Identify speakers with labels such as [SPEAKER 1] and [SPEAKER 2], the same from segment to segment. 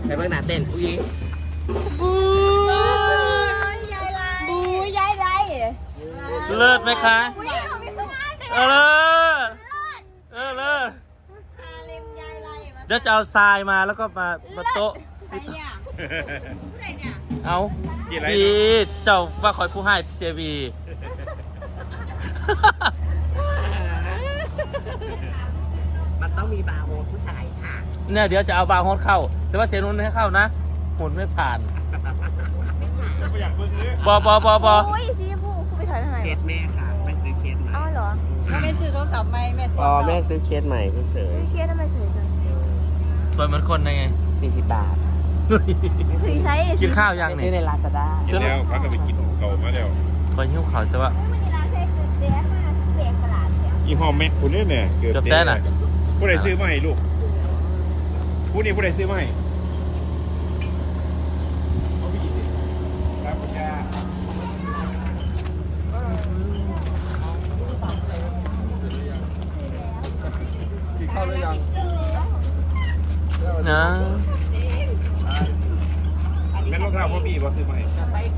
[SPEAKER 1] ไปเบิ่งหน้าเต้นอุ้ย
[SPEAKER 2] บูยายไร
[SPEAKER 3] เลิศไหมคะเลิศเลิศเดี๋ยวจะเอาทรายมาแล้วก็มาโต๊ะเอาพี่เจ้าว่าคอยผู้ให้เจบี
[SPEAKER 1] มันต้องมีบาร์โฮสผู้ชายค่ะ
[SPEAKER 3] เนี่ยเดี๋ยวจะเอาบาร์โฮสเข้าแต่ว่าเสียนุ่นให้เข้านะหมุนไม่ผ่านบ
[SPEAKER 2] อุ้ยสีผู้ไปถ่ายทำไม
[SPEAKER 1] เคสแม่ค่ะไม่ซื้อเคสใหม่
[SPEAKER 2] อ้าวเหรอ
[SPEAKER 4] ถ้าไม่ซื้อโทรศัพท์ใหม่แม่ถอด
[SPEAKER 1] อ๋อแม่ซื้อเคสใหม่เฉย
[SPEAKER 2] เครียดทำไมสวยจัง
[SPEAKER 3] สวยเหมือนคนไง
[SPEAKER 1] 40 บาท
[SPEAKER 2] สีไซส์
[SPEAKER 3] กินข้าวยัง
[SPEAKER 1] ซื้
[SPEAKER 3] เนี่
[SPEAKER 1] อยในลาซาด้า
[SPEAKER 5] กินแล้วพักกันไปกินเขามาแล้ว
[SPEAKER 3] คอยหิ้วเขาแต่ว่า
[SPEAKER 2] มันในร้านเซ็กซ์เด็กมากเด็กตลาดเนี่ย
[SPEAKER 5] ยี่ห้อแม็กคุณเนี่ยเกือบ
[SPEAKER 3] จบแต้น่ะ
[SPEAKER 5] ผู้ใดซื้อมาให้ลูกผู้นี้ผู้ใดซื้อมาให้ครับคุณย่า
[SPEAKER 1] เข้าหรือยัง
[SPEAKER 3] นะ
[SPEAKER 5] แม่นรองเท้าพ่อบี้บ่ซื้อมาให้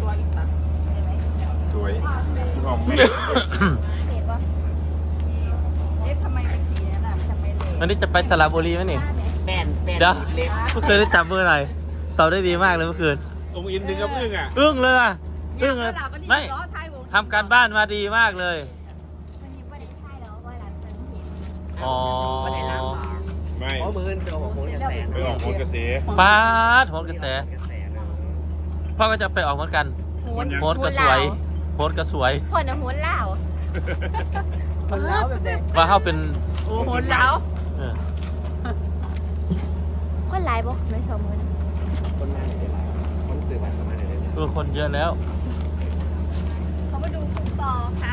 [SPEAKER 5] สวยยี่ห้อแม็ก
[SPEAKER 2] เด็กปะ
[SPEAKER 4] เอ๊ะทำไมเป็นสีนั้นอ่ะทำไมเละ
[SPEAKER 3] วันนี้จะไปสระบุรีไหมนี่
[SPEAKER 1] แป้น
[SPEAKER 3] เดี๋ยว
[SPEAKER 1] เล็บ
[SPEAKER 3] เมื่อคืนได้จับมือหน่อยตอบได้ดีมากเลยเมื่อคืน
[SPEAKER 5] องค์อินถึงกับอึ้งอ่ะ
[SPEAKER 3] อึ้งเลยอ่ะอึ้งเลยไม่
[SPEAKER 4] ล้อท้ายวง
[SPEAKER 3] ทำการบ้านมาดีมากเลย
[SPEAKER 2] วันนี้วันนี้ใช่แล้วว่าร้านเป็นเห็น
[SPEAKER 3] อ๋อ
[SPEAKER 1] ไม่ได้รับหรอ
[SPEAKER 5] ไม่
[SPEAKER 1] เพราะมือเดียวของคนกระแส
[SPEAKER 5] ไปออกโคนกระแส
[SPEAKER 3] ป้าดโหนกระแส
[SPEAKER 1] กระแสเลย
[SPEAKER 3] พ่อก็จะไปออกเหมือนกัน
[SPEAKER 2] หุ่น
[SPEAKER 3] โหนกระสวยโหนกระสวย
[SPEAKER 2] หุ่นอะหุ่นเหล่า
[SPEAKER 4] คนเล้าแบบเด็ก
[SPEAKER 3] ว่าเขาเป็น
[SPEAKER 4] โอ้โหเล้า
[SPEAKER 3] เออ
[SPEAKER 2] คนไลน์บอกไม่สมมือ
[SPEAKER 1] คนมาไหนได้คนสื่อบัตรมาไหนได้
[SPEAKER 3] คนเยอะแล้ว
[SPEAKER 4] เขามาดูคุณต่อค่ะ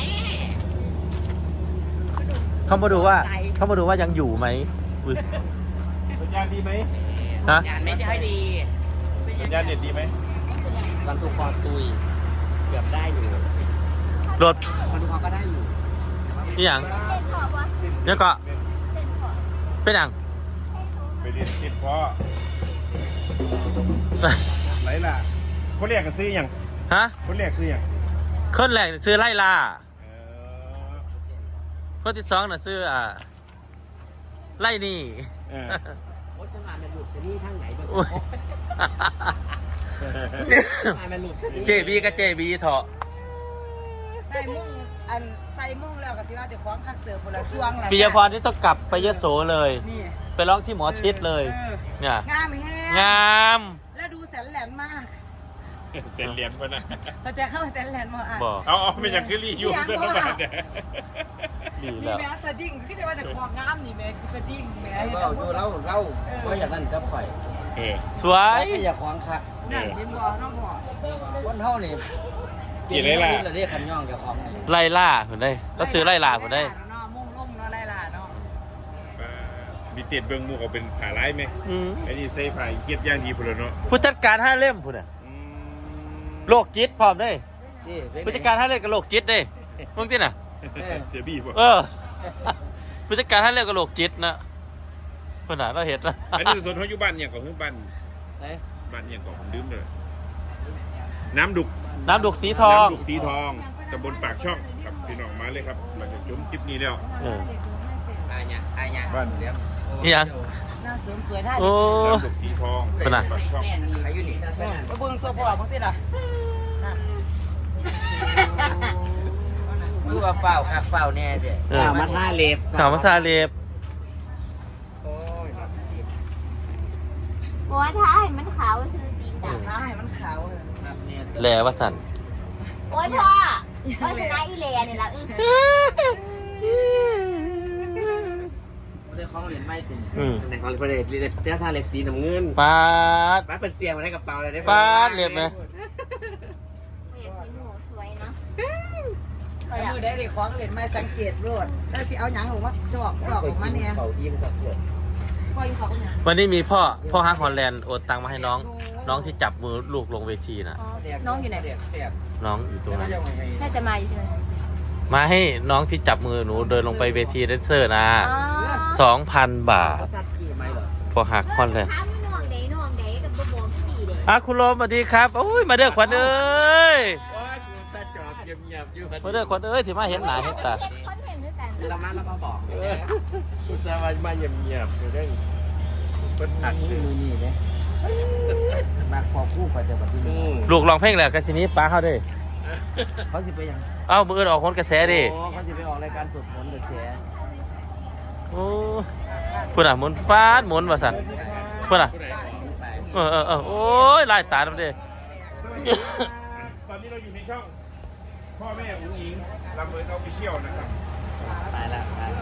[SPEAKER 3] เขามาดูว่ายังอยู่ไหมอุ๊ย
[SPEAKER 5] สัญญาณดีไหม
[SPEAKER 3] นะ
[SPEAKER 1] งานไม่ได้ดี
[SPEAKER 5] สัญญาณเน็ตดีไหม
[SPEAKER 1] วันทุกคอตุยเกือบได้อยู่
[SPEAKER 3] รถ
[SPEAKER 1] วันทุกคอก็ได้อยู่
[SPEAKER 3] นี่อย่าง
[SPEAKER 2] เต้นขอบวะ
[SPEAKER 3] เนี่ยก็
[SPEAKER 2] เต้นขอบ
[SPEAKER 3] เป็นอย่าง
[SPEAKER 5] ไปเรียนคิดเพราะไรล่ะคนเรียกกันซื้ออย่าง
[SPEAKER 3] ฮะ
[SPEAKER 5] คนเรียกซื้ออย่าง
[SPEAKER 3] คนแรกซื้อไล่ลา
[SPEAKER 5] เออ
[SPEAKER 3] คนที่สองน่ะซื้อไล่นี่
[SPEAKER 5] เออ
[SPEAKER 1] โอ้ฉันมาเป็นหลุดชนี่ทางไหนบ้าง
[SPEAKER 3] โอ้ย
[SPEAKER 1] มาเป็นหลุดชนี่
[SPEAKER 3] เจบีกับเจบีเถอะ
[SPEAKER 4] ใส่มุ่งอันใส่มุ่งแล้วก็สิว่าจะคล้องคักเตือคนละช่วงละ
[SPEAKER 3] ปิยพรนี่ต้องกลับไปยโสเลย
[SPEAKER 4] นี่
[SPEAKER 3] ไปร้องที่หมอชิดเลย เนี่ย
[SPEAKER 4] งามแห้
[SPEAKER 3] งาม
[SPEAKER 4] แล้วดูแสนแหลมมาก
[SPEAKER 5] เสร็จเรียนปะนะ
[SPEAKER 4] เราจะเข้าแสนแหลมมาอ่ะ
[SPEAKER 3] บอก
[SPEAKER 5] เอาไม่อยากคือรีอยู่เส้นน้ำมันเนี่ย
[SPEAKER 3] ดี
[SPEAKER 4] นี่
[SPEAKER 3] แล้ว
[SPEAKER 4] แม่สดิ้งคือจะว่าแต่ความงามนี่แม่คือสดิ้งแม่
[SPEAKER 1] เราดูเราว่าอย่างนั้นกับข่อย
[SPEAKER 5] เออ
[SPEAKER 3] สวย
[SPEAKER 1] ไม่อยากควางคัก
[SPEAKER 4] นั่นเห็นบ่น้องบ่
[SPEAKER 1] วันเท่านี่เราเรียกขันย่องกับของนี่
[SPEAKER 3] ไล่ล่าผมได้แล้วซื้อไล่ล่าผมได้
[SPEAKER 4] เนาะมุ่งลุ่มเนาะไล่ล่าเนาะ
[SPEAKER 5] มีเตียดเบิ้งมูเขาเป็นผ่าร้ายไหม
[SPEAKER 3] อืม
[SPEAKER 5] ไอ้นี่ใส่ผ่าเกียรติย่างดีพลเนาะ
[SPEAKER 3] ผู้จัดการห้าเล่มพุ่นน่ะ
[SPEAKER 5] อืม
[SPEAKER 3] โรคจิตพร้อมได้
[SPEAKER 1] นี่
[SPEAKER 3] ผู้จัดการห้าเล่มกับโรคจิตได้มึงที่น่ะ
[SPEAKER 5] เสียบี้ป่ะ
[SPEAKER 3] เออ ผู้จัดการห้าเล่มกับโรคจิตนะพุ่นน่ะเราเห็นนะ
[SPEAKER 5] อันนี้ส่วนเขาอยู่บ้านอย่างของบ้าน
[SPEAKER 1] ไหน
[SPEAKER 5] บ้านอย่างของผมดื่มเลยน้ำดุก
[SPEAKER 3] น้ำดุกสีทอง
[SPEAKER 5] น้ำดุกสีทองตำบลปากช่องครับพี่น้องมาเลยครับหลังจากชมคลิปนี้แล้ว
[SPEAKER 3] เออ
[SPEAKER 1] อาญา
[SPEAKER 5] บ้าน
[SPEAKER 3] นี่ยัง
[SPEAKER 4] หน้าเสริมสวยได้
[SPEAKER 3] โอ้
[SPEAKER 5] น้ำดุกสีทอง
[SPEAKER 3] เป็นไง
[SPEAKER 5] ปากช่อง
[SPEAKER 1] อายุนี่
[SPEAKER 4] ไปเบิ่งตัวพ่อบ่ติล่ะ
[SPEAKER 1] คือว่าเฝ้าคักเฝ้าแน่เด้
[SPEAKER 3] เออ
[SPEAKER 1] มาท่าเล็บ
[SPEAKER 3] ข่าวมาทาเล็บ
[SPEAKER 2] บอกว่าถ้าให้มันขาวซื้อจริงดัง
[SPEAKER 4] ถ้าให้มันขาว
[SPEAKER 1] ครับเนี่ย
[SPEAKER 3] แหลวสัน
[SPEAKER 2] โอ้ยพ่อวาสนาอีเลนี่ละ
[SPEAKER 1] เรื่องของเหรียญไม่ถึง
[SPEAKER 3] อืม
[SPEAKER 1] ในของประเด็นเรื่องท่าเล็บสีน้ำเงิน
[SPEAKER 3] ปาด
[SPEAKER 1] ป้าเป็นเสียมาได้กระเป๋าเลยได้
[SPEAKER 3] ปาดเล็บไหม
[SPEAKER 2] เสีหนูสวยเนาะ
[SPEAKER 4] มือได้เลยของเล่นไม่สังเกตโลดแล้วสิเอาหยังออกมาจอกสอกออกมาเนี่ย
[SPEAKER 1] เขายิ้มกับเพื่อน
[SPEAKER 4] ปล่อยเขาเนี่ย
[SPEAKER 3] วันนี้มีพ่อฮักฮอลแลนด์โอนตังมาให้น้องที่จับมือลูกลงเวทีน่ะ
[SPEAKER 2] น้องอยู่ไหน
[SPEAKER 1] เสียบ
[SPEAKER 3] น้องอยู่ตรงนั้น
[SPEAKER 2] น่าจะมาอยู่ใช่ไหม
[SPEAKER 3] มาให้น้องที่จับมือหนูเดินลงไปเวทีแดนเซอร์นะ
[SPEAKER 2] อ๋อ
[SPEAKER 3] 2,000 บาท
[SPEAKER 1] สัตว์กี่ไหมเหรอ
[SPEAKER 3] พ่อฮักฮอลแลนด์
[SPEAKER 2] ถามน้องเด๋น้องเด๋
[SPEAKER 3] คุณโรมสวัสดีครับโอ้ยมาเด้อขวัญเอ้ย
[SPEAKER 1] ว่าคุณซาจอบเงียบๆอยู่
[SPEAKER 3] มาเด้อขวัญเอ้ยที่มาเห็นหน้าเห็นตา
[SPEAKER 2] คอนเทนต์ด้วยกัน
[SPEAKER 1] เรามาบอกคุณซามาเงียบๆอยู่ได้เพิ่นหักมือนี่เลยมาขอคู่ไปแต่บัดนี้
[SPEAKER 3] ลูกร้องเพลงแล้วกะสินี้ป้าเฮาเด้
[SPEAKER 1] เขาสิไปยัง
[SPEAKER 3] เอ้ามื้ออื่นออกคนกระแสดิ
[SPEAKER 1] โอ้เขาจะไปออกรายการสดผลกระแส
[SPEAKER 3] โอ้พุ่นน่ะหมุนฟ้าดหมุนว่าซั่นพุ่นน่ะโอ้ยลายตาดำเด้
[SPEAKER 5] ตอนนี้เราอยู่ในช่องพ่อแม่อุ้งอิงลำเบิดเอาไปเชี่ยวนะครับ
[SPEAKER 1] ตายละตาย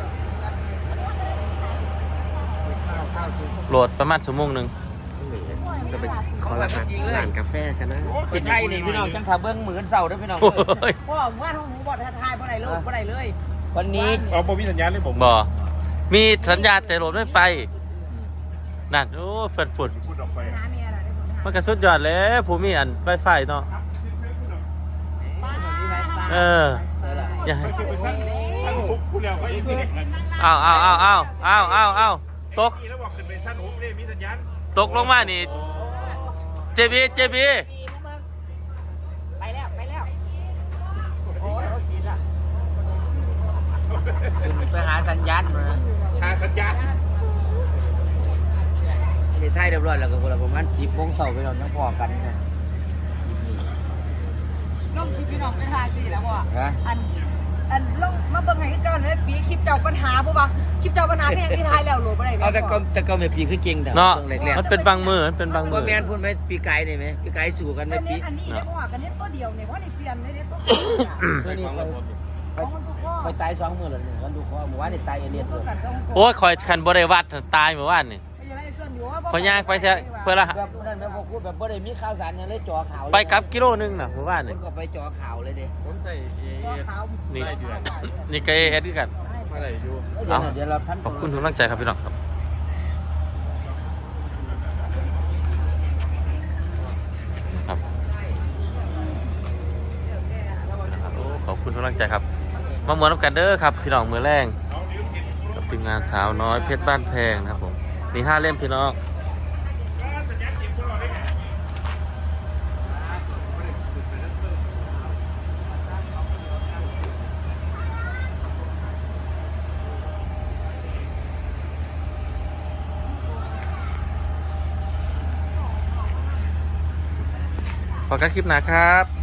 [SPEAKER 3] โหลดประมาณชั่วโมงนึง
[SPEAKER 1] จะไปขอร้านกาแฟกันนะเป็นไทยนี่พี่น้องจังถ้าเบิ้งมือเสาด้วยพี่น้อง
[SPEAKER 3] โอ้ย
[SPEAKER 4] พ่อว่าท้องหูบอดทายบ่ได้เลยบ่ได้เลย
[SPEAKER 1] วันนี้
[SPEAKER 5] เอาบ่มีสัญญาณเลยผม
[SPEAKER 3] บ่มีสัญญาณแต่โหลดไม่ไปนั่นโอ้เฟิดฝุ่น
[SPEAKER 5] พูดออกไป
[SPEAKER 4] หาเมียล่ะได้ผม
[SPEAKER 3] มันก็สุดยอดแล้วผู้มีอันไฟไฟเนาะอย่าให้
[SPEAKER 5] ไม่ใช่ไปสั้นหุบพูดแล้วก็อีกที
[SPEAKER 3] เอาตก
[SPEAKER 5] แล้วบอกขึ้นไปสั้นหุบเลยมีสัญญาณ
[SPEAKER 3] ตกลงมานี่เจบี
[SPEAKER 2] ไปแล้ว
[SPEAKER 1] ไปหาสัญญาณมา
[SPEAKER 5] หาสัญญาณ
[SPEAKER 1] ในไทยเรียบร้อยแล้วก็ประมาณ10 โมงเช้าพี่น้องยังพอกันครับ
[SPEAKER 4] น้องพี่น้องเป็นทายสิแล้วบ่
[SPEAKER 1] ฮะ
[SPEAKER 4] อันลงมาเบิ่งให้ก่อนเลยปีคลิปเจ้าปัญหาบ่ว่าคลิปเจ้าปัญหาแค่ที่ทายแล้วโหลบ่ได้
[SPEAKER 1] เอาแต่ก็ไม่ปีคือเก่งแต่
[SPEAKER 3] เนาะ
[SPEAKER 1] แรก
[SPEAKER 3] มันเป็นบางมือ
[SPEAKER 1] ๆว่าแม่นพูดไหมปีไก่นี่ไหมปีไก่สู่กันไหม
[SPEAKER 4] อัน
[SPEAKER 1] ปี
[SPEAKER 4] นี้อันนี้ได้บ่ว่ากันนี้ตัวเดียวเนี่ยเพราะนี่เปลี่ยนได้ตัวเดียว ของมันทุกข้อ
[SPEAKER 1] ไปตาย2 มื้อแล้วนี่วันดูข้อเมื่อวานนี่ตายเอเลียน
[SPEAKER 4] ก็กันก็
[SPEAKER 3] โอ้ยคอยคันบ่ได้วัดตายเมื่อวานนี่
[SPEAKER 4] ยังไงส่วนอยู่ว่า
[SPEAKER 3] พอย่างไปเสียเพื่อละ
[SPEAKER 1] แบบนั้นแบบพูดแบบบ่ได้มีข่าวสารยังเลยจ่อข่าว
[SPEAKER 3] ไปกลับกิโลนึงน่ะเมื่อวาน
[SPEAKER 1] ค
[SPEAKER 3] นี่
[SPEAKER 1] นก็ไปจ่อข่าวเลยเด้ผมใส่
[SPEAKER 4] ขาว
[SPEAKER 3] นี่นี่ก็เอสคือกัน
[SPEAKER 1] อะไรอยู่
[SPEAKER 3] เอา
[SPEAKER 1] เดี๋ยวเราพัน
[SPEAKER 3] ขอบคุณทุกกำลังใจครับพี่น้องครับครับโอ้ขอบคุณทุกกำลังใจครับมามวนน้ำกันเด้อครับพี่น้องมือแรงกับทีมงานสาวน้อยเพชรบ้านแพงนะครับผมมี5 เล่มพี่น้องพอกันคลิปหนาครับ